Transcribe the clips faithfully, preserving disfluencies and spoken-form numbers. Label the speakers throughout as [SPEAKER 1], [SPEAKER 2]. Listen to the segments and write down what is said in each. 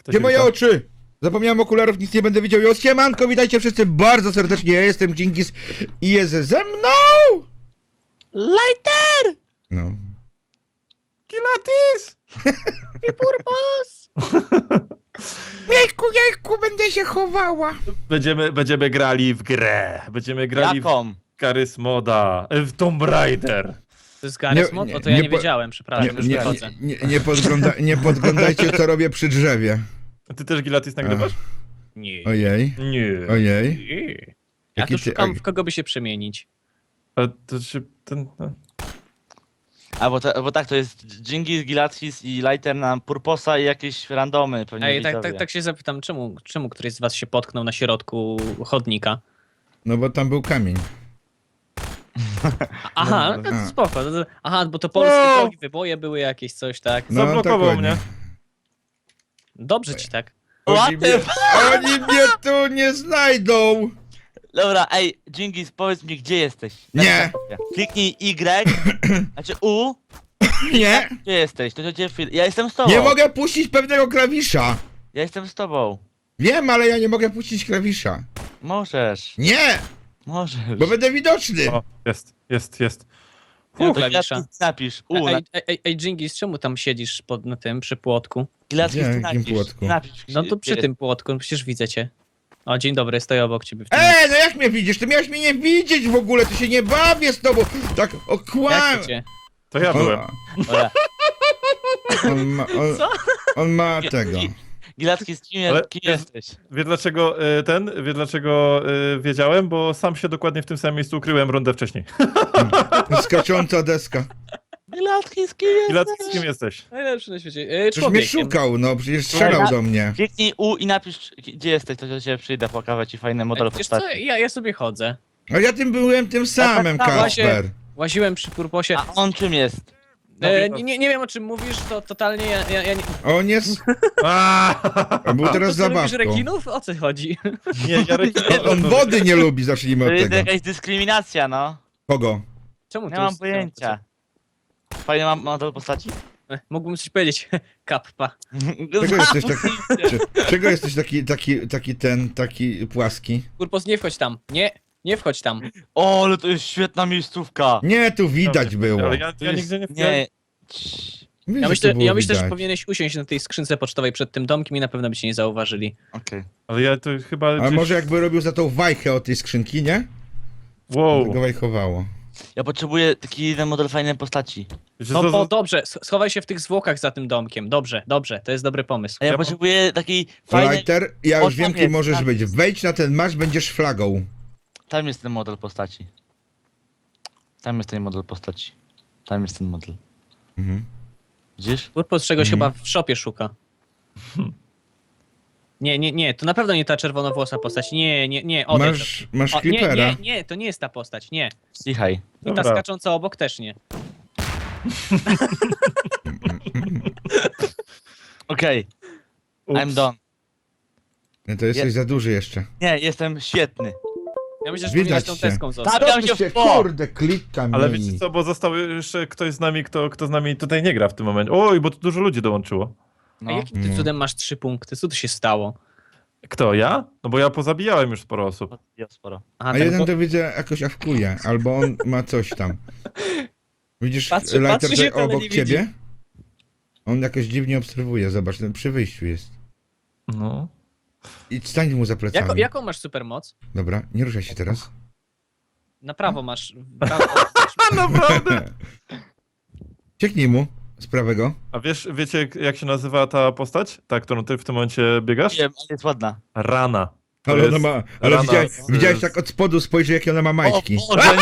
[SPEAKER 1] Kto
[SPEAKER 2] Gdzie
[SPEAKER 1] się
[SPEAKER 2] moje
[SPEAKER 1] wita?
[SPEAKER 2] oczy? Zapomniałem okularów, nic nie będę widział. Jo, siemanko, witajcie wszyscy bardzo serdecznie. Ja jestem Dżingis i jest ze mną...
[SPEAKER 3] Lighter!
[SPEAKER 2] No.
[SPEAKER 1] Kilatis!
[SPEAKER 3] I Purpos!
[SPEAKER 2] Jejku, jejku, będę się chowała.
[SPEAKER 1] Będziemy, będziemy grali w grę. Będziemy grali
[SPEAKER 3] Jaką?
[SPEAKER 1] w Garry's Moda. W Tomb Raider.
[SPEAKER 3] To jest Garry's
[SPEAKER 2] Nie,
[SPEAKER 3] Mod?
[SPEAKER 2] nie,
[SPEAKER 3] O to ja
[SPEAKER 2] nie
[SPEAKER 3] nie,
[SPEAKER 2] po-
[SPEAKER 3] wiedziałem,
[SPEAKER 2] Nie,
[SPEAKER 3] przepraszam, już
[SPEAKER 2] nie,
[SPEAKER 3] wychodzę.
[SPEAKER 2] nie, nie, podgląda, nie podglądajcie, co robię przy drzewie.
[SPEAKER 1] A ty też Gilatis nagrywasz?
[SPEAKER 3] Nie.
[SPEAKER 2] Ojej,
[SPEAKER 1] Nie.
[SPEAKER 2] ojej.
[SPEAKER 1] Nie.
[SPEAKER 3] Ja
[SPEAKER 2] Jaki
[SPEAKER 3] tu
[SPEAKER 2] ty-
[SPEAKER 3] szukam, w kogo by się przemienić.
[SPEAKER 1] A to się ten... no.
[SPEAKER 4] A bo, to, bo tak, to jest Dżingis, Gilatis i Lighter na Purposa i jakieś randomy pewnie
[SPEAKER 3] Ej, tak,
[SPEAKER 4] widzowie.
[SPEAKER 3] tak, tak się zapytam, czemu, czemu któryś z was się potknął na środku chodnika?
[SPEAKER 2] No bo tam był kamień.
[SPEAKER 3] Aha,
[SPEAKER 1] No,
[SPEAKER 3] no,
[SPEAKER 2] no.
[SPEAKER 3] to spoko. To, to, aha, bo to polskie
[SPEAKER 1] Wow.
[SPEAKER 3] drogi, wyboje były jakieś, coś, tak?
[SPEAKER 2] No,
[SPEAKER 1] Zablokował
[SPEAKER 2] dokładnie.
[SPEAKER 1] mnie.
[SPEAKER 3] Dobrze ci tak.
[SPEAKER 2] Oni
[SPEAKER 4] What
[SPEAKER 2] mnie,
[SPEAKER 4] the
[SPEAKER 2] oni mnie tu nie znajdą.
[SPEAKER 4] Dobra, ej, Dżingis, powiedz mi, gdzie jesteś?
[SPEAKER 2] Nie.
[SPEAKER 4] Kliknij Y, znaczy U,
[SPEAKER 2] Nie,
[SPEAKER 4] gdzie jesteś? To cię chwil... Ja jestem z tobą.
[SPEAKER 2] nie mogę puścić pewnego klawisza.
[SPEAKER 4] Ja jestem z tobą.
[SPEAKER 2] Wiem, ale ja nie mogę puścić klawisza.
[SPEAKER 4] Możesz,
[SPEAKER 2] Nie,
[SPEAKER 4] możesz.
[SPEAKER 2] bo będę widoczny.
[SPEAKER 1] O, jest, jest, jest.
[SPEAKER 3] Ja
[SPEAKER 4] To
[SPEAKER 3] klawisza.
[SPEAKER 4] Gilatis napisz, U, na...
[SPEAKER 3] Ej, ej, ej, ej, Dżingis, czemu tam siedzisz pod, na tym, przy płotku?
[SPEAKER 4] Gilatis
[SPEAKER 2] Gdzie?
[SPEAKER 4] ty
[SPEAKER 2] Jakim
[SPEAKER 4] napisz,
[SPEAKER 2] płotku?
[SPEAKER 4] napisz.
[SPEAKER 3] No to przy
[SPEAKER 4] gdzie
[SPEAKER 3] tym płotku, no przecież widzę cię. O, dzień dobry, stoję obok ciebie w tym.
[SPEAKER 2] Ej, no jak mnie widzisz? Ty miałeś mnie nie widzieć w ogóle, to się nie bawię z tobą. Tak, o kłam.
[SPEAKER 3] Jak to cię?
[SPEAKER 1] To ja byłem.
[SPEAKER 2] On,
[SPEAKER 4] Dobra.
[SPEAKER 2] on ma, on,
[SPEAKER 3] Co?
[SPEAKER 2] on ma tego.
[SPEAKER 4] Gilatis, kim,
[SPEAKER 1] Ale
[SPEAKER 4] kim
[SPEAKER 1] jest-
[SPEAKER 4] jesteś?
[SPEAKER 1] Wie dlaczego y, ten? Wie dlaczego y, wiedziałem? Bo sam się dokładnie w tym samym miejscu ukryłem rundę wcześniej.
[SPEAKER 2] Skacząca deska.
[SPEAKER 4] Gilatis, kim jesteś?
[SPEAKER 1] Gilatis, kim jesteś?
[SPEAKER 3] Najlepszy na świecie. E,
[SPEAKER 2] Przecież mnie
[SPEAKER 3] człowiekiem.
[SPEAKER 2] szukał, no przecież strzelał do mnie.
[SPEAKER 4] Kliknij U i napisz, gdzie jesteś, to do ciebie przyjdę, pokażę ci fajny model
[SPEAKER 3] Wiesz co,
[SPEAKER 4] postaci.
[SPEAKER 3] ja, ja sobie chodzę.
[SPEAKER 2] A ja tym byłem tym samym,
[SPEAKER 4] tak, tak,
[SPEAKER 2] Kasper.
[SPEAKER 3] Łaziłem przy Purposie.
[SPEAKER 4] A on czym jest?
[SPEAKER 3] E, nie, nie, nie wiem o czym mówisz, to totalnie ja, ja, ja nie...
[SPEAKER 2] On jest...
[SPEAKER 1] Aaaa!
[SPEAKER 2] On był teraz
[SPEAKER 3] To co, lubisz
[SPEAKER 2] zabawką.
[SPEAKER 3] rekinów? O co chodzi?
[SPEAKER 1] Nie, Jarek...
[SPEAKER 2] On, on wody nie lubi, zacznijmy
[SPEAKER 4] To
[SPEAKER 2] od
[SPEAKER 4] jest
[SPEAKER 2] tego.
[SPEAKER 4] jakaś dyskryminacja, no.
[SPEAKER 2] Kogo?
[SPEAKER 3] Czemu
[SPEAKER 4] Nie
[SPEAKER 3] to
[SPEAKER 4] mam
[SPEAKER 3] jest-
[SPEAKER 4] pojęcia. Fajny mam model postaci?
[SPEAKER 3] E, Mógłbym coś powiedzieć. Kappa.
[SPEAKER 2] Czego jesteś taki... Czy, czego jesteś taki, taki, taki ten, taki płaski?
[SPEAKER 3] Purpos, nie wchodź tam. Nie, nie wchodź tam.
[SPEAKER 4] O, ale to jest świetna miejscówka.
[SPEAKER 2] Nie, tu widać było.
[SPEAKER 1] Ale ja,
[SPEAKER 4] To
[SPEAKER 1] ja
[SPEAKER 4] jest-
[SPEAKER 1] nigdzie nie...
[SPEAKER 4] Nie. Cii.
[SPEAKER 2] Wiesz,
[SPEAKER 3] Ja
[SPEAKER 2] że
[SPEAKER 3] myślę,
[SPEAKER 2] tu było
[SPEAKER 3] ja myślę że
[SPEAKER 2] widać.
[SPEAKER 3] powinieneś usiąść na tej skrzynce pocztowej przed tym domkiem i na pewno by cię nie zauważyli.
[SPEAKER 4] Okej.
[SPEAKER 1] Ale ja to chyba
[SPEAKER 2] A
[SPEAKER 1] gdzieś...
[SPEAKER 2] może jakby robił za tą wajchę od tej skrzynki, nie?
[SPEAKER 1] Wow.
[SPEAKER 2] To go wajchowało.
[SPEAKER 4] Ja potrzebuję taki jeden model fajnej postaci.
[SPEAKER 1] Wiecie
[SPEAKER 3] No
[SPEAKER 1] co,
[SPEAKER 3] bo
[SPEAKER 1] za-
[SPEAKER 3] dobrze, sch- schowaj się w tych zwłokach za tym domkiem. Dobrze, dobrze, to jest dobry pomysł.
[SPEAKER 4] A ja
[SPEAKER 1] Ja-
[SPEAKER 4] potrzebuję takiej fajnej...
[SPEAKER 2] Lighter, ja
[SPEAKER 4] O,
[SPEAKER 2] już wiem,
[SPEAKER 4] tam
[SPEAKER 2] kim
[SPEAKER 4] jest,
[SPEAKER 2] możesz
[SPEAKER 4] tam
[SPEAKER 2] być.
[SPEAKER 4] jest.
[SPEAKER 2] Wejdź na ten marsz, będziesz flagą.
[SPEAKER 4] Tam jest ten model postaci. Tam jest ten model postaci. Tam jest ten model.
[SPEAKER 2] Mhm.
[SPEAKER 4] Widzisz?
[SPEAKER 3] Purpos czegoś
[SPEAKER 2] Mhm.
[SPEAKER 3] chyba w szopie szuka. Nie, nie, nie, to na pewno nie ta czerwonowłosa postać. Nie, nie, nie, odejdź.
[SPEAKER 2] Masz, masz
[SPEAKER 3] O, nie,
[SPEAKER 2] creepera.
[SPEAKER 3] nie, nie, to nie jest ta postać, nie.
[SPEAKER 4] Cichaj.
[SPEAKER 3] I ta
[SPEAKER 1] Dobra.
[SPEAKER 3] skacząca obok też nie.
[SPEAKER 4] Okej,
[SPEAKER 1] Ups.
[SPEAKER 4] I'm done.
[SPEAKER 2] Nie, to jesteś
[SPEAKER 4] Je-
[SPEAKER 2] za duży jeszcze.
[SPEAKER 4] Nie, jestem świetny.
[SPEAKER 3] Ja myślę, że
[SPEAKER 2] Widać
[SPEAKER 3] powinieneś tą
[SPEAKER 2] cię.
[SPEAKER 3] teską zostać.
[SPEAKER 4] Stawiam
[SPEAKER 2] To
[SPEAKER 4] się
[SPEAKER 2] się,
[SPEAKER 4] w po!
[SPEAKER 2] kurde, klika mi.
[SPEAKER 1] Ale wiecie co, bo został jeszcze ktoś z nami, kto, kto z nami tutaj nie gra w tym momencie. Oj, bo tu dużo ludzi dołączyło.
[SPEAKER 3] A
[SPEAKER 4] No.
[SPEAKER 3] jakim ty
[SPEAKER 2] No.
[SPEAKER 3] cudem masz trzy punkty? Co tu się stało?
[SPEAKER 1] Kto, ja? No bo ja pozabijałem już sporo osób.
[SPEAKER 4] Ja sporo.
[SPEAKER 3] Aha,
[SPEAKER 2] A
[SPEAKER 3] ten
[SPEAKER 2] jeden
[SPEAKER 3] bo-
[SPEAKER 2] to widzę jakoś awkuje, albo on ma coś tam. Widzisz
[SPEAKER 3] Patrzy-
[SPEAKER 2] Lighter
[SPEAKER 3] patrzy
[SPEAKER 2] tutaj
[SPEAKER 3] się, ale
[SPEAKER 2] obok
[SPEAKER 3] nie
[SPEAKER 2] ciebie? On jakoś dziwnie obserwuje, zobacz, ten przy wyjściu jest.
[SPEAKER 1] No.
[SPEAKER 2] I stań mu za plecami.
[SPEAKER 3] Jako, jaką masz supermoc?
[SPEAKER 2] Dobra, nie ruszaj się teraz.
[SPEAKER 3] Na prawo masz. w Prawo,
[SPEAKER 1] Naprawdę?
[SPEAKER 2] Cieknij mu z prawego.
[SPEAKER 1] A wiesz, wiecie jak się nazywa ta postać? Ta, którą ty w tym momencie biegasz?
[SPEAKER 4] Wiem, ale jest ładna.
[SPEAKER 1] Rana. To
[SPEAKER 2] Ale ona
[SPEAKER 1] jest
[SPEAKER 2] ma. Ale
[SPEAKER 1] rana
[SPEAKER 2] widziałeś,
[SPEAKER 1] z-
[SPEAKER 2] widziałeś tak od spodu spojrzeć, jakie ona ma majtki.
[SPEAKER 4] O Boże!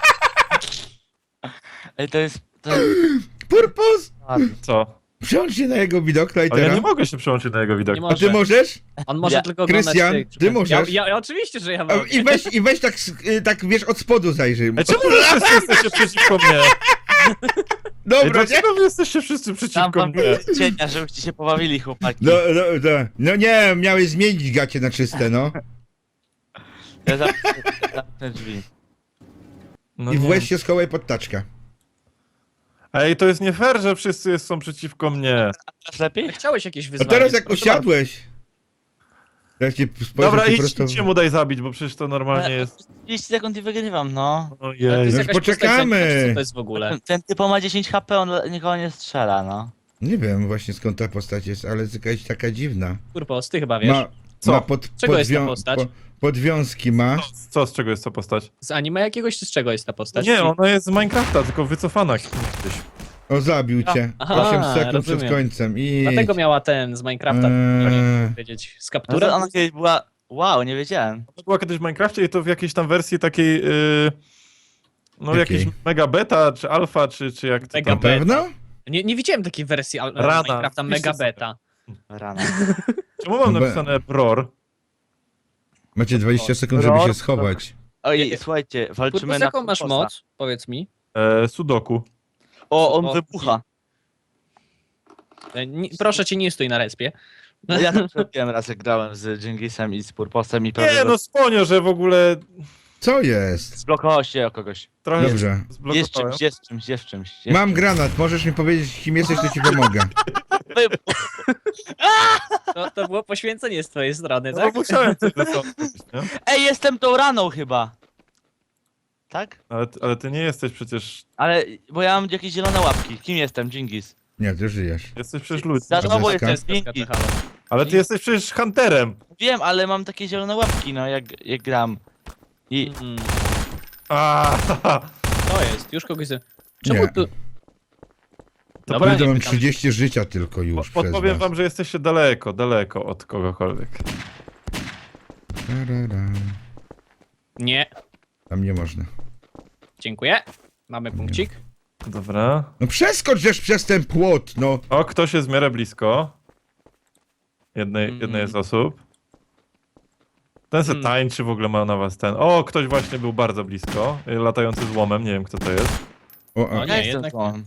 [SPEAKER 4] Ej, to jest... To jest
[SPEAKER 2] Purpos!
[SPEAKER 4] ładne.
[SPEAKER 1] Co?
[SPEAKER 2] Przełącz się na jego widok,
[SPEAKER 1] Ale
[SPEAKER 2] Lightera.
[SPEAKER 1] ja nie mogę się przełączyć na jego widok.
[SPEAKER 3] Nie
[SPEAKER 2] A ty
[SPEAKER 3] może.
[SPEAKER 2] możesz?
[SPEAKER 3] On może
[SPEAKER 4] Ja-
[SPEAKER 3] tylko oglądać
[SPEAKER 2] Krystian,
[SPEAKER 3] tych-
[SPEAKER 2] ty możesz?
[SPEAKER 3] Ja, ja, oczywiście, że ja
[SPEAKER 2] A,
[SPEAKER 3] mogę.
[SPEAKER 2] I weź, i weź tak, s- y, tak wiesz, od spodu zajrzyj.
[SPEAKER 1] Ej, czemu wy wszyscy jesteście przeciwko mnie? Ej,
[SPEAKER 2] Dobra, nie?
[SPEAKER 1] dlaczego wy jesteście wszyscy
[SPEAKER 4] Tam
[SPEAKER 1] przeciwko
[SPEAKER 4] wam
[SPEAKER 1] mnie?
[SPEAKER 4] cienia, żebyście się pobawili, chłopaki.
[SPEAKER 2] No, no, no, no nie, miałeś zmienić gacie na czyste, no.
[SPEAKER 4] Ja zamknę, zamknę drzwi.
[SPEAKER 1] No
[SPEAKER 2] I w
[SPEAKER 1] nie.
[SPEAKER 2] łez się schowaj pod taczkę.
[SPEAKER 1] Ej, to jest nie fair, że wszyscy jest- są przeciwko mnie.
[SPEAKER 4] Masz lepiej?
[SPEAKER 3] Chciałeś jakieś
[SPEAKER 2] A
[SPEAKER 3] wyzwanie.
[SPEAKER 2] teraz jak
[SPEAKER 3] proszę
[SPEAKER 2] usiadłeś... Ja ci spojrzę
[SPEAKER 1] Dobra,
[SPEAKER 2] ci
[SPEAKER 1] idź,
[SPEAKER 2] prosto...
[SPEAKER 1] idź się mu daj zabić, bo przecież to normalnie
[SPEAKER 4] Ale-
[SPEAKER 1] jest...
[SPEAKER 4] trzydzieści sekund i wygrywam, no.
[SPEAKER 3] To
[SPEAKER 1] Ojej.
[SPEAKER 3] jest
[SPEAKER 2] Już
[SPEAKER 3] jakaś
[SPEAKER 2] poczekamy.
[SPEAKER 3] postać, co to jest w ogóle?
[SPEAKER 4] Ten, ten typo ma dziesięć H P, on le- nikogo nie strzela, no.
[SPEAKER 2] Nie wiem właśnie skąd ta postać jest, ale jest jakaś taka dziwna.
[SPEAKER 3] Purpos, ty chyba wiesz.
[SPEAKER 2] Ma,
[SPEAKER 1] Co?
[SPEAKER 2] ma pod,
[SPEAKER 3] Czego jest ta
[SPEAKER 2] podwią-
[SPEAKER 3] postać?
[SPEAKER 2] po- podwiązki ma.
[SPEAKER 1] Co, co, z czego jest ta postać?
[SPEAKER 3] Z anime jakiegoś, czy z czego jest ta postać?
[SPEAKER 1] Nie, ona jest z Minecrafta, tylko wycofana kiedyś.
[SPEAKER 2] O, zabił cię.
[SPEAKER 3] Aha,
[SPEAKER 2] osiem sekund
[SPEAKER 3] rozumiem.
[SPEAKER 2] przed końcem. I
[SPEAKER 3] Dlatego miała ten z Minecrafta,
[SPEAKER 2] Eee.
[SPEAKER 3] nie powiedzieć, z
[SPEAKER 4] No
[SPEAKER 3] kapturem.
[SPEAKER 4] to ona kiedyś była... Wow, nie wiedziałem.
[SPEAKER 1] To była kiedyś w Minecrafcie i to w jakiejś tam wersji takiej... Yy... No
[SPEAKER 2] Jakiej?
[SPEAKER 1] jakiejś mega beta, czy alfa, czy, czy jak to
[SPEAKER 3] Mega
[SPEAKER 2] na
[SPEAKER 1] tam...
[SPEAKER 3] beta.
[SPEAKER 2] pewno?
[SPEAKER 3] Nie, nie widziałem takiej wersji al-
[SPEAKER 1] Rana,
[SPEAKER 3] Minecrafta
[SPEAKER 1] wpiszcie
[SPEAKER 3] mega
[SPEAKER 1] sobie.
[SPEAKER 3] beta.
[SPEAKER 4] Rana.
[SPEAKER 1] Czemu mam
[SPEAKER 2] Be-
[SPEAKER 1] napisane bror?
[SPEAKER 2] Macie dwadzieścia sekund, żeby się
[SPEAKER 4] Ror-
[SPEAKER 2] schować.
[SPEAKER 4] Oj, słuchajcie, walczymy
[SPEAKER 3] Purpos,
[SPEAKER 4] na
[SPEAKER 3] jaką masz
[SPEAKER 4] Purposa.
[SPEAKER 3] moc? Powiedz mi.
[SPEAKER 1] E, sudoku.
[SPEAKER 4] O, on
[SPEAKER 3] O,
[SPEAKER 4] wybucha.
[SPEAKER 3] E, Nie, proszę cię, nie stój na respie.
[SPEAKER 4] No ja to zrobiłem raz, jak grałem z Dżingisem i z Purposem i
[SPEAKER 1] Nie,
[SPEAKER 4] prawie
[SPEAKER 1] no sponio, że w ogóle
[SPEAKER 2] Co jest?
[SPEAKER 4] zblokowało się o kogoś.
[SPEAKER 1] trochę
[SPEAKER 2] Dobrze.
[SPEAKER 4] Jest
[SPEAKER 1] zblokowałem.
[SPEAKER 4] czymś, jest czymś, jest czymś. Jest
[SPEAKER 2] Mam granat, możesz mi powiedzieć kim jesteś, to ci pomogę.
[SPEAKER 4] Wybuch.
[SPEAKER 3] To, to było poświęcenie z twojej strony,
[SPEAKER 1] No
[SPEAKER 3] tak?
[SPEAKER 1] bo musiałem coś rysować, nie?
[SPEAKER 4] Ej, jestem tą raną chyba. Tak?
[SPEAKER 1] Ale, ale ty nie jesteś przecież...
[SPEAKER 4] Ale, bo ja mam jakieś zielone łapki. Kim jestem? Dżingis.
[SPEAKER 2] Nie, ty żyjesz.
[SPEAKER 1] Jesteś przecież ludź.
[SPEAKER 4] Za tobą
[SPEAKER 2] Deska?
[SPEAKER 4] jestem
[SPEAKER 3] Deska,
[SPEAKER 4] Dżingis.
[SPEAKER 3] halo.
[SPEAKER 1] Ale ty jesteś przecież hunterem.
[SPEAKER 4] Wiem, ale mam takie zielone łapki, no, jak, jak gram. I
[SPEAKER 3] Mm,
[SPEAKER 1] A,
[SPEAKER 3] to jest, już kogoś... z- Czemu
[SPEAKER 2] Nie.
[SPEAKER 3] tu...
[SPEAKER 1] To
[SPEAKER 3] Dobra,
[SPEAKER 2] Kurde,
[SPEAKER 3] nie
[SPEAKER 2] mam
[SPEAKER 3] pytam.
[SPEAKER 2] trzydzieści życia tylko już przez
[SPEAKER 1] podpowiem
[SPEAKER 2] was.
[SPEAKER 1] wam, że jesteście daleko, daleko od kogokolwiek.
[SPEAKER 2] Tarara.
[SPEAKER 3] Nie,
[SPEAKER 2] Tam nie można.
[SPEAKER 3] dziękuję. Mamy punkcik.
[SPEAKER 1] Dobra.
[SPEAKER 2] No przeskocz żeż przez ten płot, no.
[SPEAKER 1] O, ktoś jest w miarę blisko. Jednej,
[SPEAKER 3] Mm.
[SPEAKER 1] jednej z osób. Ten se
[SPEAKER 3] Mm.
[SPEAKER 1] tańczy, w ogóle ma na was ten. O, ktoś właśnie był bardzo blisko. y, Latający z łomem, nie wiem kto to jest.
[SPEAKER 2] O,
[SPEAKER 3] No
[SPEAKER 2] a.
[SPEAKER 3] nie,
[SPEAKER 4] ja jestem
[SPEAKER 3] jednak
[SPEAKER 4] złom.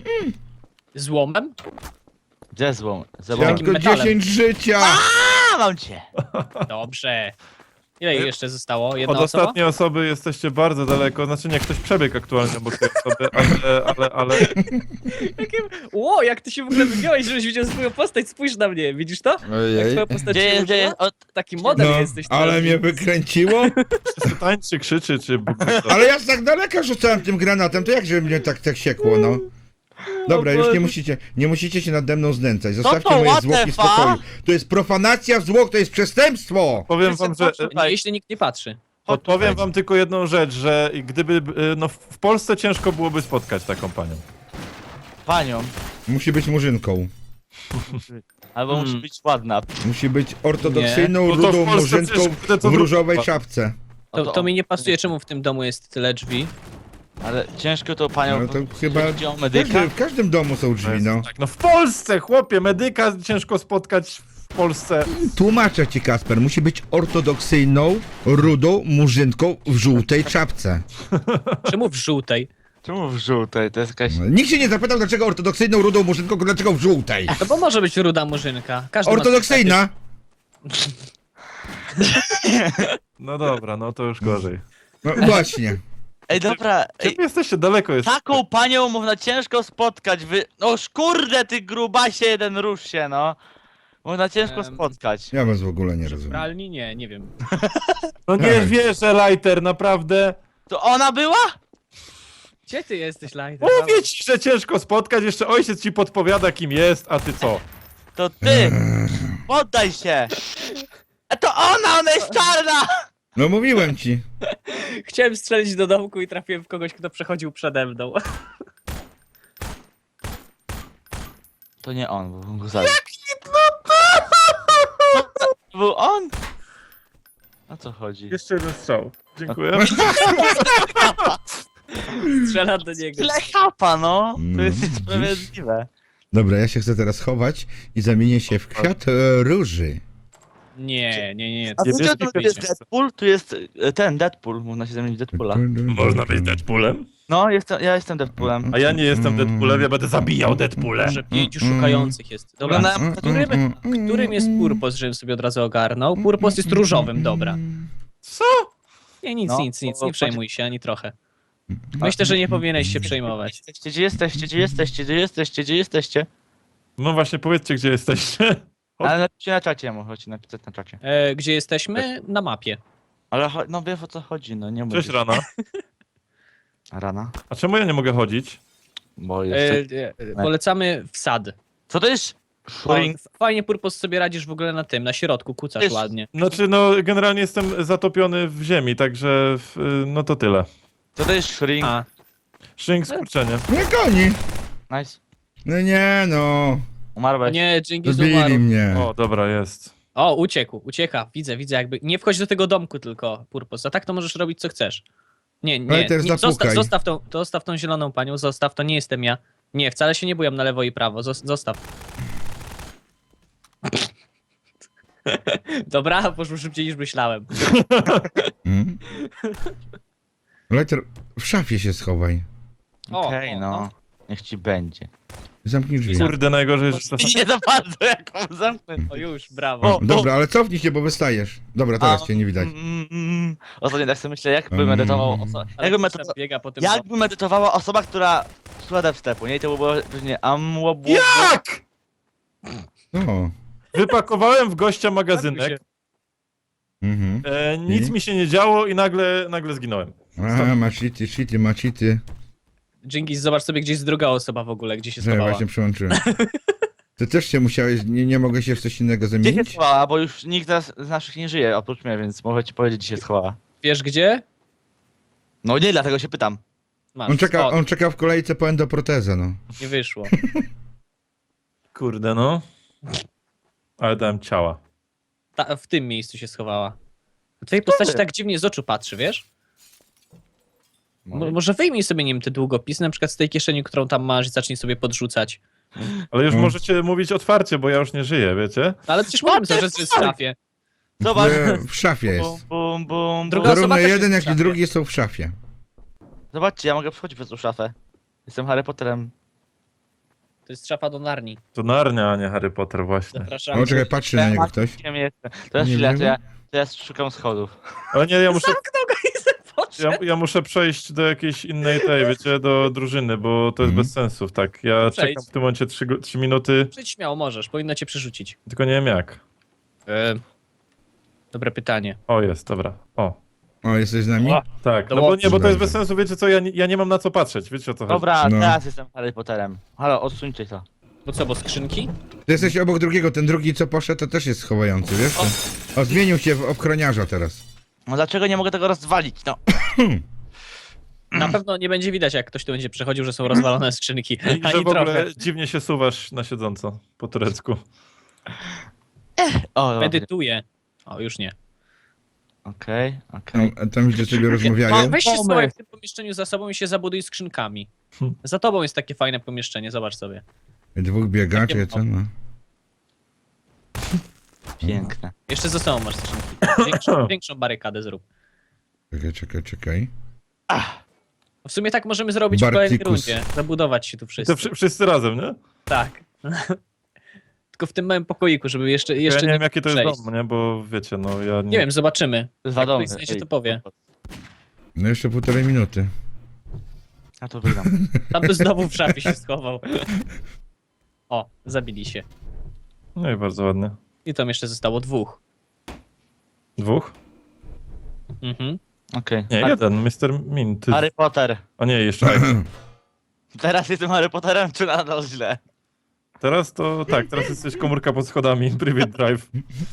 [SPEAKER 3] Złomem?
[SPEAKER 4] Gdzie złom?
[SPEAKER 2] Ja
[SPEAKER 4] Złom.
[SPEAKER 3] Jakim
[SPEAKER 2] tylko
[SPEAKER 3] metalem?
[SPEAKER 2] dziesięć życia!
[SPEAKER 4] A, mam cię!
[SPEAKER 3] Dobrze. Ile jeszcze zostało? Jedna
[SPEAKER 1] Od
[SPEAKER 3] osoba?
[SPEAKER 1] ostatniej osoby jesteście bardzo daleko. Znaczy nie, ktoś przebiegł aktualnie obok tej osoby, ale, ale, ale...
[SPEAKER 3] Jakim... Ło, jak ty się w ogóle wygiąłeś, żebyś widział swoją postać, spójrz na mnie, widzisz to? Jak
[SPEAKER 2] Ojej.
[SPEAKER 3] twoja postać
[SPEAKER 4] Gdzie
[SPEAKER 3] się
[SPEAKER 4] jest, gdzie
[SPEAKER 3] używa?
[SPEAKER 4] jest? O,
[SPEAKER 3] Taki model
[SPEAKER 2] No,
[SPEAKER 3] jesteś
[SPEAKER 2] ale
[SPEAKER 3] teraz.
[SPEAKER 2] mnie wykręciło.
[SPEAKER 1] Czy tańczy, krzyczy, czy...
[SPEAKER 2] Ale ja z tak daleka rzucałem tym granatem, to jak żeby mnie tak, tak siekło, no. Dobra, już nie musicie, nie musicie się nade mną znęcać. Zostawcie
[SPEAKER 4] to,
[SPEAKER 2] moje
[SPEAKER 4] what
[SPEAKER 2] zwłoki
[SPEAKER 4] the
[SPEAKER 2] w spokoju.
[SPEAKER 4] fuck?
[SPEAKER 2] To jest profanacja zwłok, to jest przestępstwo!
[SPEAKER 1] Powiem wam, że...
[SPEAKER 3] Nie, jeśli nikt nie patrzy.
[SPEAKER 1] Podpowiem wam tylko jedną rzecz, że gdyby... y, No w Polsce ciężko byłoby spotkać taką panią.
[SPEAKER 4] panią.
[SPEAKER 2] Musi być murzynką.
[SPEAKER 4] Albo
[SPEAKER 3] Hmm.
[SPEAKER 4] musi być ładna.
[SPEAKER 2] Musi być ortodoksyjną,
[SPEAKER 1] No to w
[SPEAKER 2] rudą
[SPEAKER 1] Polsce
[SPEAKER 2] murzynką
[SPEAKER 1] przecież kurde, to
[SPEAKER 2] w różowej
[SPEAKER 1] druga.
[SPEAKER 2] czapce.
[SPEAKER 4] O,
[SPEAKER 3] To,
[SPEAKER 4] to
[SPEAKER 3] to
[SPEAKER 4] on.
[SPEAKER 3] mi nie pasuje, czemu w tym domu jest tyle drzwi.
[SPEAKER 4] Ale ciężko tą panią...
[SPEAKER 2] No to chyba
[SPEAKER 4] Chodzi o
[SPEAKER 2] w
[SPEAKER 4] medyka?
[SPEAKER 2] każdym, w każdym domu są drzwi, no.
[SPEAKER 1] Tak, no w Polsce, chłopie, medyka ciężko spotkać w Polsce.
[SPEAKER 2] Tłumaczę ci, Kasper, musi być ortodoksyjną, rudą murzynką w żółtej czapce.
[SPEAKER 3] Czemu w żółtej?
[SPEAKER 4] Czemu w żółtej? To jest jakaś...
[SPEAKER 2] Nikt się nie zapytał, dlaczego ortodoksyjną, rudą murzynką, tylko dlaczego w żółtej.
[SPEAKER 3] To bo może być ruda murzynka. Każdy ma
[SPEAKER 2] Ortodoksyjna!
[SPEAKER 1] No dobra, no to już gorzej.
[SPEAKER 2] No właśnie.
[SPEAKER 4] Ej, dobra,
[SPEAKER 1] Ej,
[SPEAKER 4] ej,
[SPEAKER 1] jesteście daleko jeszcze.
[SPEAKER 4] taką panią można ciężko spotkać, wy... No kurde, ty grubasie jeden, rusz się, no. Można ciężko
[SPEAKER 3] Em,
[SPEAKER 4] spotkać.
[SPEAKER 2] Ja was w ogóle nie
[SPEAKER 3] W
[SPEAKER 2] rozumiem.
[SPEAKER 3] pralni? Nie, nie wiem.
[SPEAKER 1] No nie
[SPEAKER 2] Tak.
[SPEAKER 1] wierzę, Lighter, naprawdę.
[SPEAKER 4] To ona była?
[SPEAKER 3] Gdzie ty jesteś, Lighter?
[SPEAKER 1] Mówię ci, że ciężko spotkać, jeszcze ojciec ci podpowiada kim jest, a ty co?
[SPEAKER 4] To ty! Poddaj się! A to ona, ona jest czarna!
[SPEAKER 2] No mówiłem ci.
[SPEAKER 3] Chciałem strzelić do domku i trafiłem w kogoś, kto przechodził przede mną.
[SPEAKER 4] To nie on, bo bym go zabił. To był on? O co chodzi?
[SPEAKER 1] Jeszcze jeden strzał. Dziękuję.
[SPEAKER 3] Strzelam do niego.
[SPEAKER 4] Tyle chapa, no! To jest
[SPEAKER 2] No,
[SPEAKER 4] niesprawiedliwe.
[SPEAKER 2] Dobra, ja się chcę teraz chować i zamienię się w kwiat e, róży.
[SPEAKER 3] Nie, nie, nie.
[SPEAKER 4] A
[SPEAKER 1] Nie
[SPEAKER 4] wiecie,
[SPEAKER 1] wiesz,
[SPEAKER 4] tu jest Deadpool? Tu jest e, ten, Deadpool, można się zamienić w Deadpoola.
[SPEAKER 1] Można być Deadpoolem?
[SPEAKER 4] No, jestem, ja jestem Deadpoolem.
[SPEAKER 1] A ja nie jestem Deadpoolem, ja będę zabijał Deadpoole.
[SPEAKER 3] Może pięciu szukających jest. Dobra,
[SPEAKER 4] Oglądałem-
[SPEAKER 3] którym, którym jest Purpos, żebym sobie od razu ogarnął? Purpos jest różowym, dobra.
[SPEAKER 1] Co?
[SPEAKER 3] Nie, nic,
[SPEAKER 4] No,
[SPEAKER 3] nic, nic,
[SPEAKER 4] bo-
[SPEAKER 3] nie przejmuj się ani trochę. Myślę, że nie powinieneś się przejmować.
[SPEAKER 4] Jesteście, gdzie jesteście, gdzie jesteście, gdzie jesteście, gdzie jesteście?
[SPEAKER 1] No właśnie, powiedzcie, gdzie jesteście. O.
[SPEAKER 4] Ale napiszcie na czacie, możecie napisać na czacie.
[SPEAKER 3] E, gdzie jesteśmy? Na mapie.
[SPEAKER 4] Ale cho- no wiesz o co chodzi, no nie
[SPEAKER 1] Cześć,
[SPEAKER 4] mówię.
[SPEAKER 1] Rana.
[SPEAKER 4] Rana?
[SPEAKER 1] A czemu ja nie mogę chodzić?
[SPEAKER 4] Bo
[SPEAKER 3] E,
[SPEAKER 4] jeszcze...
[SPEAKER 3] e, polecamy w sad.
[SPEAKER 4] Co to jest?
[SPEAKER 3] O,
[SPEAKER 4] Shrink?
[SPEAKER 3] fajnie, Purpos, sobie radzisz w ogóle na tym, na środku, kucasz
[SPEAKER 4] Jest-
[SPEAKER 3] ładnie.
[SPEAKER 1] Znaczy, no, generalnie jestem zatopiony w ziemi, także, w, no to tyle.
[SPEAKER 4] Co to jest shrink?
[SPEAKER 3] A,
[SPEAKER 1] Shrink, skurczenie.
[SPEAKER 2] Nie goni.
[SPEAKER 4] Nice.
[SPEAKER 2] No nie no.
[SPEAKER 3] o
[SPEAKER 4] Umarłeś.
[SPEAKER 3] nie, Dżingis
[SPEAKER 2] Zabili
[SPEAKER 3] umarł.
[SPEAKER 2] mnie.
[SPEAKER 1] O, dobra, jest.
[SPEAKER 3] O, uciekł, ucieka, widzę, widzę jakby. Nie wchodź do tego domku tylko, Purpos, a tak to możesz robić co chcesz. Nie, nie,
[SPEAKER 2] Ale teraz
[SPEAKER 3] nie zostaw,
[SPEAKER 2] zapukaj.
[SPEAKER 3] zostaw, tą, zostaw tą zieloną panią, zostaw, to nie jestem ja. Nie, wcale się nie bujam na lewo i prawo, zos- zostaw. Dobra, poszło szybciej niż myślałem.
[SPEAKER 2] Hmm? Letter, w szafie się schowaj.
[SPEAKER 3] O,
[SPEAKER 4] Okej,
[SPEAKER 3] o,
[SPEAKER 4] no.
[SPEAKER 3] o.
[SPEAKER 4] Niech ci będzie.
[SPEAKER 2] Zamknij drzwi.
[SPEAKER 1] Kurde, najgorzej, że czasem...
[SPEAKER 4] Nie za bardzo, jak on zamknę.
[SPEAKER 3] O już, brawo.
[SPEAKER 4] O,
[SPEAKER 2] O, dobra, ale cofnij się, bo wystajesz. Dobra, teraz
[SPEAKER 4] A,
[SPEAKER 2] cię nie widać.
[SPEAKER 4] Mm, mm, Ostatnio tak sobie myślę, jakby
[SPEAKER 2] Mm.
[SPEAKER 4] medytował osoba...
[SPEAKER 3] Ale
[SPEAKER 4] Jakby,
[SPEAKER 3] ktoś
[SPEAKER 4] medyto...
[SPEAKER 3] tam biega po tym
[SPEAKER 4] jakby medytowała osoba, która słucha wstepu, nie? I to by było różnie amłobu...
[SPEAKER 1] Jak?
[SPEAKER 2] O.
[SPEAKER 1] Wypakowałem w gościa
[SPEAKER 3] domku.
[SPEAKER 1] magazynek,
[SPEAKER 2] Mhm.
[SPEAKER 1] e, nic
[SPEAKER 2] I?
[SPEAKER 1] mi się nie działo i nagle, nagle zginąłem.
[SPEAKER 2] Aha, ma cheaty, cheaty, ma cheaty.
[SPEAKER 3] Dżingis, zobacz sobie, gdzie jest druga osoba w ogóle, gdzie się
[SPEAKER 2] Że
[SPEAKER 3] schowała.
[SPEAKER 2] właśnie przyłączyłem. Ty też się musiałeś, nie, nie mogę się w coś innego
[SPEAKER 4] Gdzie się
[SPEAKER 2] zamienić?
[SPEAKER 4] schowała, bo już nikt z, z naszych nie żyje, oprócz mnie, więc mogę ci powiedzieć, gdzie się schowała.
[SPEAKER 3] Wiesz gdzie?
[SPEAKER 4] No nie, dlatego się pytam.
[SPEAKER 3] Masz.
[SPEAKER 2] On czeka,
[SPEAKER 3] O,
[SPEAKER 2] on czeka w kolejce po endoprotezę, no.
[SPEAKER 3] nie wyszło.
[SPEAKER 1] Kurde, no. Ale dałem ciała.
[SPEAKER 3] Ta, w tym miejscu się schowała. W twojej postaci tak dziwnie z oczu patrzy, wiesz? Mo- może wyjmij sobie, nie wiem, te długopisy, na przykład z tej kieszeni, którą tam masz i zacznij sobie podrzucać.
[SPEAKER 1] Ale już
[SPEAKER 2] Mm.
[SPEAKER 1] możecie mówić otwarcie, bo ja już nie żyję, wiecie?
[SPEAKER 3] No, ale przecież mówimy cały czas, że jest w szafie.
[SPEAKER 4] Zobacz.
[SPEAKER 2] W, w szafie
[SPEAKER 4] Bum,
[SPEAKER 2] jest.
[SPEAKER 4] bum, bum,
[SPEAKER 3] Druga
[SPEAKER 4] bum.
[SPEAKER 3] osoba
[SPEAKER 2] Zarówno
[SPEAKER 3] też
[SPEAKER 2] jeden,
[SPEAKER 3] jest w
[SPEAKER 2] jak i
[SPEAKER 3] szafie.
[SPEAKER 2] drugi są w szafie.
[SPEAKER 4] Zobaczcie, ja mogę przechodzić przez tą szafę. Jestem Harry Potterem.
[SPEAKER 3] To jest szafa do Narni.
[SPEAKER 1] To Narnia, a nie Harry Potter właśnie.
[SPEAKER 3] Zapraszam.
[SPEAKER 2] O, czekaj, patrzy na niego ktoś.
[SPEAKER 4] Kim jestem? Teraz
[SPEAKER 2] Nie
[SPEAKER 4] chwilę, to
[SPEAKER 2] wiem.
[SPEAKER 4] ja, to ja szukam schodów.
[SPEAKER 1] Ale nie, ja muszę,
[SPEAKER 3] Zamknął go i se poszedł.
[SPEAKER 1] ja, ja muszę przejść do jakiejś innej tej, wiecie, do drużyny, bo to jest
[SPEAKER 2] Mhm.
[SPEAKER 1] bez sensu, tak. Ja
[SPEAKER 3] Przejdź.
[SPEAKER 1] czekam w tym momencie trzy minuty,
[SPEAKER 3] Przejdź śmiało, możesz, powinno cię przerzucić.
[SPEAKER 1] tylko nie wiem jak.
[SPEAKER 3] E, dobre pytanie.
[SPEAKER 1] O, jest, dobra. O,
[SPEAKER 2] O, jesteś z nami?
[SPEAKER 3] O,
[SPEAKER 1] tak.
[SPEAKER 3] To
[SPEAKER 1] No bo nie, bo to jest
[SPEAKER 2] dobrze.
[SPEAKER 1] bez sensu, wiecie co, ja nie, ja nie mam na co patrzeć, wiecie o co chodzi.
[SPEAKER 4] Dobra,
[SPEAKER 2] No.
[SPEAKER 4] teraz jestem Harry Potterem. Halo, odsuńcie to.
[SPEAKER 3] Bo co, bo skrzynki?
[SPEAKER 2] Ty jesteś obok drugiego, ten drugi co poszedł, to też jest schowający, wiesz? O, o zmienił się w ochroniarza teraz.
[SPEAKER 4] No dlaczego nie mogę tego rozwalić? No.
[SPEAKER 3] Na pewno nie będzie widać, jak ktoś tu będzie przechodził, że są rozwalone skrzynki.
[SPEAKER 1] I że
[SPEAKER 3] Ani
[SPEAKER 1] w ogóle
[SPEAKER 3] trochę.
[SPEAKER 1] dziwnie się suwasz na siedząco po turecku.
[SPEAKER 4] O, dobra.
[SPEAKER 3] Medytuję. O, już nie.
[SPEAKER 4] Okej, okej.
[SPEAKER 2] Tam, tam gdzie sobie rozmawiają.
[SPEAKER 3] No, weź się
[SPEAKER 4] Pomysł.
[SPEAKER 3] schowaj w tym pomieszczeniu za sobą i się zabuduj skrzynkami.
[SPEAKER 1] Hmm.
[SPEAKER 3] Za tobą jest takie fajne pomieszczenie, zobacz sobie.
[SPEAKER 2] Dwóch biegaczy,
[SPEAKER 3] Takie-
[SPEAKER 2] co no.
[SPEAKER 4] Piękne.
[SPEAKER 3] Jeszcze za sobą masz skrzynki. Większą, większą barykadę zrób.
[SPEAKER 2] Czekaj, czekaj, czekaj.
[SPEAKER 3] W sumie tak możemy zrobić w kolejnej
[SPEAKER 2] Bartikus.
[SPEAKER 3] rundzie. Zabudować się tu
[SPEAKER 1] I
[SPEAKER 3] wszyscy.
[SPEAKER 1] to wszy- wszyscy razem, nie?
[SPEAKER 3] Tak. Tylko w tym małym pokoiku, żeby jeszcze,
[SPEAKER 1] Ja
[SPEAKER 3] jeszcze
[SPEAKER 1] nie wiem jakie to jest
[SPEAKER 3] przejść.
[SPEAKER 1] dom, nie? Bo wiecie, no ja nie...
[SPEAKER 3] Nie wiem, zobaczymy.
[SPEAKER 4] To jest
[SPEAKER 3] Jak
[SPEAKER 4] wiadomo.
[SPEAKER 3] ktoś znajdzie, to powie.
[SPEAKER 2] No jeszcze półtorej minuty.
[SPEAKER 4] Ja to wygram.
[SPEAKER 3] Tam to znowu w szafie się schował. O, zabili się.
[SPEAKER 1] No i bardzo ładnie.
[SPEAKER 3] I tam jeszcze zostało dwóch.
[SPEAKER 1] Dwóch?
[SPEAKER 3] Mhm.
[SPEAKER 4] Okej.
[SPEAKER 1] Nie,
[SPEAKER 4] Har-
[SPEAKER 1] jeden, mister Min. Ty...
[SPEAKER 4] Harry Potter.
[SPEAKER 1] A nie, jeszcze jeden.
[SPEAKER 4] Teraz jestem Harry Potterem, czy nadal źle?
[SPEAKER 1] Teraz to tak, teraz jesteś komórka pod schodami, private drive.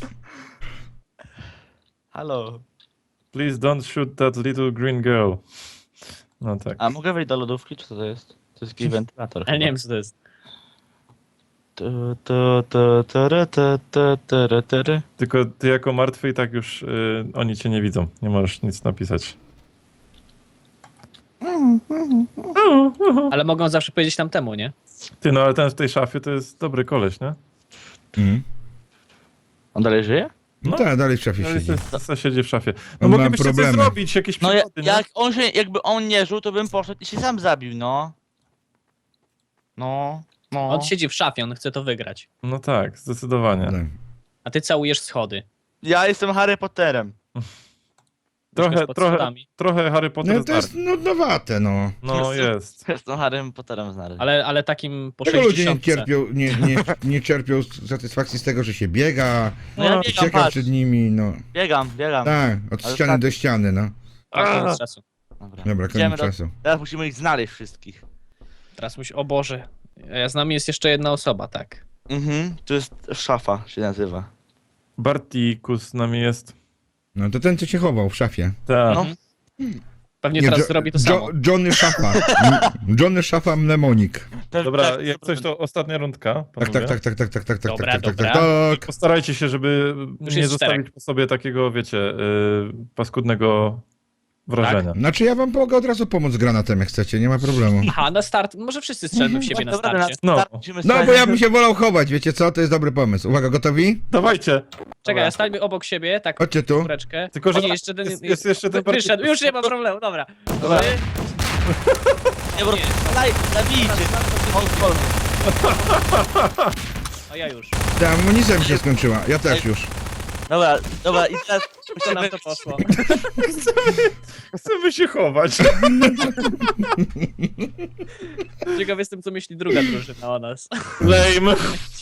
[SPEAKER 4] Halo.
[SPEAKER 1] Please don't shoot that little green girl. No tak.
[SPEAKER 4] A mogę wejść do lodówki, czy co to jest? To jest jakiś wentylator.
[SPEAKER 3] Ale nie
[SPEAKER 4] chyba.
[SPEAKER 3] wiem, co to jest.
[SPEAKER 4] Tu, tu, tu, tu, tu, tu, tu, tu, tu.
[SPEAKER 1] Tylko ty jako martwy i tak już y, oni cię nie widzą. Nie możesz nic napisać.
[SPEAKER 3] Ale mogą zawsze powiedzieć tamtemu, nie?
[SPEAKER 1] Ty, no ale ten w tej szafie to jest dobry koleś, nie?
[SPEAKER 2] Mhm.
[SPEAKER 4] On dalej żyje?
[SPEAKER 2] No
[SPEAKER 1] No.
[SPEAKER 2] tak, dalej w szafie
[SPEAKER 1] Ale
[SPEAKER 2] siedzi.
[SPEAKER 1] se- se siedzi w szafie. No
[SPEAKER 2] On ma
[SPEAKER 1] moglibyście coś
[SPEAKER 2] problemy.
[SPEAKER 1] zrobić, jakieś
[SPEAKER 4] No ja,
[SPEAKER 1] przygody, nie?
[SPEAKER 4] jak on się, jakby on nie żył, to bym poszedł i się sam zabił, no. No, no.
[SPEAKER 3] On siedzi w szafie, on chce to wygrać.
[SPEAKER 1] No tak, zdecydowanie.
[SPEAKER 2] Tak.
[SPEAKER 3] A ty całujesz schody.
[SPEAKER 4] Ja jestem Harry Potterem.
[SPEAKER 1] Trochę,
[SPEAKER 3] pod
[SPEAKER 1] trochę,
[SPEAKER 3] schodami.
[SPEAKER 1] trochę Harry Potter
[SPEAKER 2] No
[SPEAKER 1] z
[SPEAKER 2] to jest
[SPEAKER 1] Narni.
[SPEAKER 2] nudnowate, no.
[SPEAKER 1] No jest.
[SPEAKER 4] Jestem Harrym Potterem znany.
[SPEAKER 3] Ale, ale takim po
[SPEAKER 2] Czego ludzie nie
[SPEAKER 3] sześćdziesiątce.
[SPEAKER 2] cierpią, nie, nie, nie czerpią satysfakcji z tego, że się biega,
[SPEAKER 4] No ja
[SPEAKER 1] No,
[SPEAKER 4] biegam,
[SPEAKER 2] ucieka
[SPEAKER 4] patrz.
[SPEAKER 2] przed nimi, no.
[SPEAKER 4] Biegam, biegam.
[SPEAKER 2] Tak, od
[SPEAKER 4] Ale
[SPEAKER 2] ściany
[SPEAKER 4] tak-
[SPEAKER 2] do ściany, no.
[SPEAKER 3] Tak,
[SPEAKER 1] A!
[SPEAKER 3] koniec czasu.
[SPEAKER 4] Dobra,
[SPEAKER 2] Dobra,
[SPEAKER 4] Idziemy
[SPEAKER 2] koniec
[SPEAKER 4] do...
[SPEAKER 2] czasu.
[SPEAKER 4] Teraz musimy ich znaleźć wszystkich.
[SPEAKER 3] Teraz musi, o Boże. A z nami jest jeszcze jedna osoba, tak.
[SPEAKER 4] Mhm, to jest szafa się nazywa.
[SPEAKER 1] Bartikus z nami jest.
[SPEAKER 2] No to ten, co się chował w szafie.
[SPEAKER 1] Tak.
[SPEAKER 4] No.
[SPEAKER 3] Pewnie teraz
[SPEAKER 2] Jo-
[SPEAKER 3] zrobi to
[SPEAKER 2] Jo-
[SPEAKER 3] samo.
[SPEAKER 2] Johnny Szafa. M- Johnny Szafa Mnemonik.
[SPEAKER 1] Dobra, jak coś to ostatnia rundka,
[SPEAKER 2] Tak,
[SPEAKER 1] panowie.
[SPEAKER 2] tak, tak, tak, tak, tak, tak, tak,
[SPEAKER 3] Dobra,
[SPEAKER 2] tak, tak,
[SPEAKER 3] dobra.
[SPEAKER 2] tak, tak.
[SPEAKER 1] Postarajcie się, żeby
[SPEAKER 3] Już
[SPEAKER 1] nie
[SPEAKER 3] jest
[SPEAKER 1] zostawić
[SPEAKER 3] czterech.
[SPEAKER 1] po sobie takiego, wiecie, yy, paskudnego wrażenia.
[SPEAKER 2] Znaczy ja wam mogę od razu pomóc z granatem, jak chcecie, nie ma problemu.
[SPEAKER 3] Aha, na start. Może wszyscy strzelmy w siebie na
[SPEAKER 4] Dobra,
[SPEAKER 3] starcie.
[SPEAKER 1] No.
[SPEAKER 4] start musimy
[SPEAKER 2] No bo
[SPEAKER 4] sprawdzić-
[SPEAKER 2] ja bym się wolał chować, wiecie co? To jest dobry pomysł. Uwaga, gotowi?
[SPEAKER 1] Dawajcie!
[SPEAKER 3] Czekaj, ja stańmy obok siebie, tak
[SPEAKER 2] Chodźcie tu.
[SPEAKER 3] kureczkę.
[SPEAKER 1] Tylko, że
[SPEAKER 3] A nie, jeszcze ten...
[SPEAKER 1] jest, jest jeszcze ten
[SPEAKER 3] Wy- Wyszedł,
[SPEAKER 1] Bartikus.
[SPEAKER 3] już nie ma problemu, dobra.
[SPEAKER 1] Dobra.
[SPEAKER 3] Wy-
[SPEAKER 4] Nie, bo... Daj, zabijcie. On, on.
[SPEAKER 3] A ja już.
[SPEAKER 2] Ta amunicja mi się skończyła, ja też już.
[SPEAKER 4] Dobra, dobra, i teraz
[SPEAKER 3] Co nam
[SPEAKER 4] musimy...
[SPEAKER 3] to poszło?
[SPEAKER 1] Chcemy się chować.
[SPEAKER 3] Ciekaw jestem, co myśli druga drużyna o nas.
[SPEAKER 1] Lame.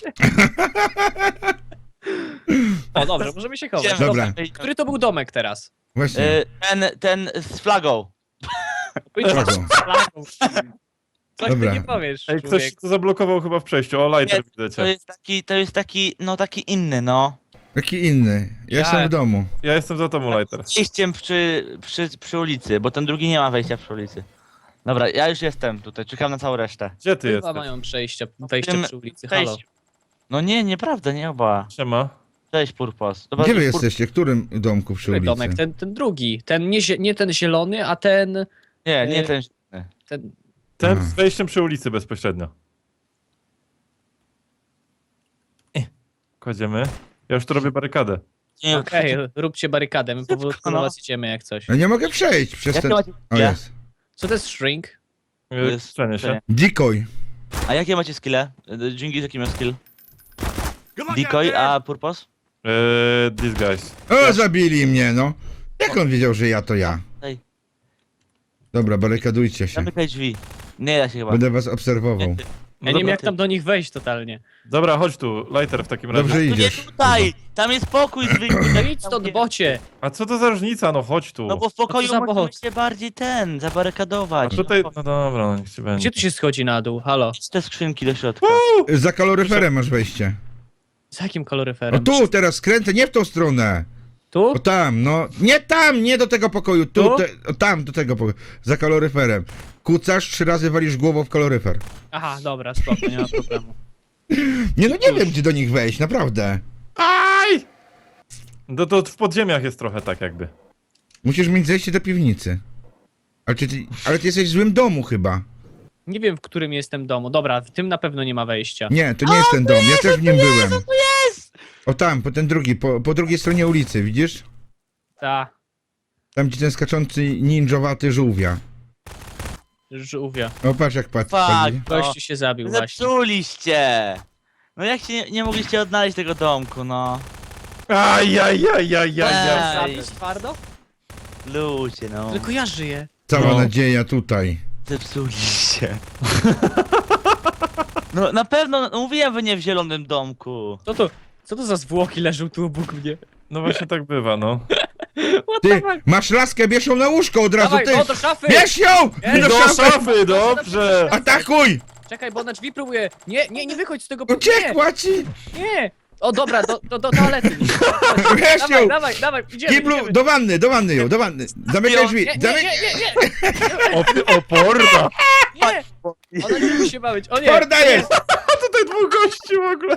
[SPEAKER 3] O, dobrze, możemy się chować.
[SPEAKER 4] Idziemy.
[SPEAKER 2] Dobra.
[SPEAKER 3] Który to był domek teraz?
[SPEAKER 2] Właśnie.
[SPEAKER 4] E, Ten, ten z flagą.
[SPEAKER 2] Flagą.
[SPEAKER 3] Coś
[SPEAKER 2] Dobra.
[SPEAKER 3] ty nie powiesz,
[SPEAKER 1] Ej, ktoś
[SPEAKER 3] człowiek.
[SPEAKER 1] to zablokował chyba w przejściu. O, lighter
[SPEAKER 4] Nie, To
[SPEAKER 1] widzicie.
[SPEAKER 4] jest taki, to jest taki, no taki inny, no.
[SPEAKER 2] Taki inny. Ja jestem w domu.
[SPEAKER 1] Ja jestem za tobą, lighter.
[SPEAKER 4] Wejściem przy, przy, przy ulicy, bo ten drugi nie ma wejścia przy ulicy. Dobra, ja już jestem tutaj, czekam na całą resztę.
[SPEAKER 1] Gdzie ty
[SPEAKER 3] Chyba
[SPEAKER 1] jesteś?
[SPEAKER 3] mają przejście, wejście
[SPEAKER 4] Tym-
[SPEAKER 3] przy ulicy, halo.
[SPEAKER 4] Cześć. No nie, nieprawda, nie oba.
[SPEAKER 1] Siema.
[SPEAKER 4] Cześć, Purpos. Dobra,
[SPEAKER 2] Gdzie wy
[SPEAKER 4] Pur-
[SPEAKER 2] jesteście? W którym domku przy
[SPEAKER 3] Który
[SPEAKER 2] ulicy?
[SPEAKER 3] domek? Ten, ten drugi, ten nie, zie- nie ten zielony, a ten...
[SPEAKER 4] Nie, nie
[SPEAKER 3] Y-
[SPEAKER 4] ten.
[SPEAKER 3] ten...
[SPEAKER 1] Ten
[SPEAKER 2] Aha.
[SPEAKER 1] z wejściem przy ulicy bezpośrednio. Eh, Kładziemy. Ja już tu robię barykadę.
[SPEAKER 4] Nie,
[SPEAKER 3] Okej, róbcie barykadę, my powolutku
[SPEAKER 4] no.
[SPEAKER 3] do was idziemy jak coś.
[SPEAKER 2] Ja nie mogę przejść przez
[SPEAKER 4] Jakie
[SPEAKER 2] ten...
[SPEAKER 4] macie
[SPEAKER 2] O,
[SPEAKER 4] skille?
[SPEAKER 2] jest.
[SPEAKER 3] Co to jest shrink?
[SPEAKER 1] Yy,
[SPEAKER 4] jest-
[SPEAKER 1] Strzenie się.
[SPEAKER 2] Decoy.
[SPEAKER 4] A jakie macie skille? Dżingis jaki miał skill? Decoy, a Purpos?
[SPEAKER 1] Yy, these guys.
[SPEAKER 2] O, zabili mnie, no. Jak on wiedział, że ja to ja?
[SPEAKER 4] Ej.
[SPEAKER 2] Dobra, barykadujcie się.
[SPEAKER 4] Zamykaj drzwi. Nie da się chyba.
[SPEAKER 2] Będę was obserwował.
[SPEAKER 4] Nie, ty.
[SPEAKER 3] Ja nie wiem
[SPEAKER 1] dobra,
[SPEAKER 3] jak tam do nich wejść totalnie.
[SPEAKER 1] Dobra, chodź tu, lighter w takim razie.
[SPEAKER 2] Dobrze
[SPEAKER 4] Tu nie
[SPEAKER 2] idziesz.
[SPEAKER 4] tutaj! Tam jest pokój zwykły.
[SPEAKER 3] No idź stąd, bocie!
[SPEAKER 1] A co to za różnica? No chodź tu.
[SPEAKER 4] No bo w pokoju
[SPEAKER 3] za
[SPEAKER 4] możemy
[SPEAKER 3] bohot?
[SPEAKER 4] się bardziej ten,
[SPEAKER 1] A
[SPEAKER 4] zabarykadować.
[SPEAKER 1] tutaj,
[SPEAKER 4] No,
[SPEAKER 1] no dobra, no niech ci będzie.
[SPEAKER 3] Gdzie tu się schodzi na dół? Halo?
[SPEAKER 4] idź te skrzynki do środka.
[SPEAKER 2] Za kaloryferem masz wejście.
[SPEAKER 3] Z jakim
[SPEAKER 2] O
[SPEAKER 3] kaloryferem?
[SPEAKER 2] tu, teraz skręcę, nie w tą stronę.
[SPEAKER 3] Tu?
[SPEAKER 2] O tam, no. Nie tam, nie do tego pokoju. Tu,
[SPEAKER 3] Tu?
[SPEAKER 2] te, o tam, do tego pokoju. Za kaloryferem. Kucasz, trzy razy walisz głową w kaloryfer.
[SPEAKER 3] Aha, dobra, spoko, nie ma problemu.
[SPEAKER 2] Nie no, nie wiem, gdzie do nich wejść, naprawdę.
[SPEAKER 1] Aj! No to w podziemiach jest trochę tak jakby.
[SPEAKER 2] Musisz mieć zejście do piwnicy. Ale ty, ale ty jesteś w złym domu chyba.
[SPEAKER 3] Nie wiem, w którym jestem domu. Dobra, w tym na pewno nie ma wejścia.
[SPEAKER 2] Nie, to nie jest ten dom, ja też w nim byłem. O tam, po ten drugi, po, po drugiej stronie ulicy, widzisz?
[SPEAKER 3] Ta,
[SPEAKER 2] Tam gdzie ten skaczący ninjowaty żółwia.
[SPEAKER 3] żółwia.
[SPEAKER 2] O, patrz jak patrz.
[SPEAKER 4] Fuck.
[SPEAKER 2] patrz.
[SPEAKER 3] Gościu się zabił właśnie.
[SPEAKER 4] Zepsuliście! No jak się nie, nie mogliście odnaleźć tego domku, no.
[SPEAKER 1] Aj, aj, aj, aj, aj, aj.
[SPEAKER 4] Ej.
[SPEAKER 3] Zabić twardo?
[SPEAKER 4] Ludzie, no.
[SPEAKER 3] Tylko ja żyję.
[SPEAKER 2] Cała
[SPEAKER 1] No.
[SPEAKER 2] nadzieja tutaj.
[SPEAKER 4] Zepsuliście. No na pewno, no, mówiłem, wy nie w zielonym domku.
[SPEAKER 3] Co to, co to za zwłoki leżą tu obok mnie?
[SPEAKER 1] No właśnie tak bywa, no.
[SPEAKER 3] What
[SPEAKER 2] Ty,
[SPEAKER 3] the fuck?
[SPEAKER 2] masz laskę, bierz ją na łóżko od razu,
[SPEAKER 3] Dawaj,
[SPEAKER 2] ty!
[SPEAKER 3] o, do szafy!
[SPEAKER 2] Bierz ją!
[SPEAKER 3] Ej,
[SPEAKER 2] Do
[SPEAKER 1] Do
[SPEAKER 2] szafy!
[SPEAKER 1] szafy, dobrze!
[SPEAKER 2] Atakuj!
[SPEAKER 3] Czekaj, bo na drzwi próbuję. Nie, nie, nie wychodź z tego pokoju.
[SPEAKER 2] Uciekła ci!
[SPEAKER 3] Nie, nie. O, dobra, do, do, do toalety.
[SPEAKER 2] Bierz
[SPEAKER 3] Dawaj,
[SPEAKER 2] ją!
[SPEAKER 3] dawaj, dawaj, idziemy,
[SPEAKER 2] Kiblu,
[SPEAKER 3] idziemy.
[SPEAKER 2] do wanny, do wanny ją, do wanny. Zamykaj drzwi,
[SPEAKER 3] Nie, nie,
[SPEAKER 2] zamykaj...
[SPEAKER 3] nie, nie, nie,
[SPEAKER 1] O, ty oporna!
[SPEAKER 3] nie. Ona nie musi się bawić. O nie.
[SPEAKER 2] Porda jest!
[SPEAKER 1] A tutaj dwóch gości w ogóle!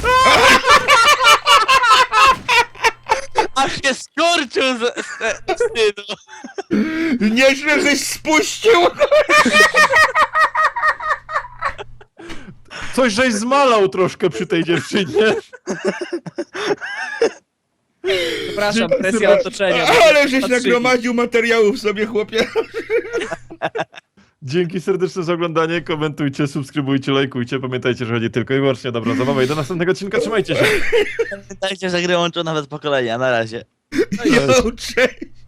[SPEAKER 4] Aż się skurczył z, z, z wstydu.
[SPEAKER 2] Nieźle żeś spuścił!
[SPEAKER 1] Coś żeś zmalał troszkę przy tej dziewczynie.
[SPEAKER 3] Przepraszam, presja otoczenia.
[SPEAKER 2] Ale żeś
[SPEAKER 3] Patrzyli.
[SPEAKER 2] nagromadził materiałów sobie, chłopie.
[SPEAKER 1] Dzięki serdeczne za oglądanie, komentujcie, subskrybujcie, lajkujcie. Pamiętajcie, że chodzi tylko i wyłącznie o dobrą zabawę i do następnego odcinka, trzymajcie się!
[SPEAKER 4] Pamiętajcie, że gry łączą nawet pokolenia, na razie.
[SPEAKER 2] Jo, cześć!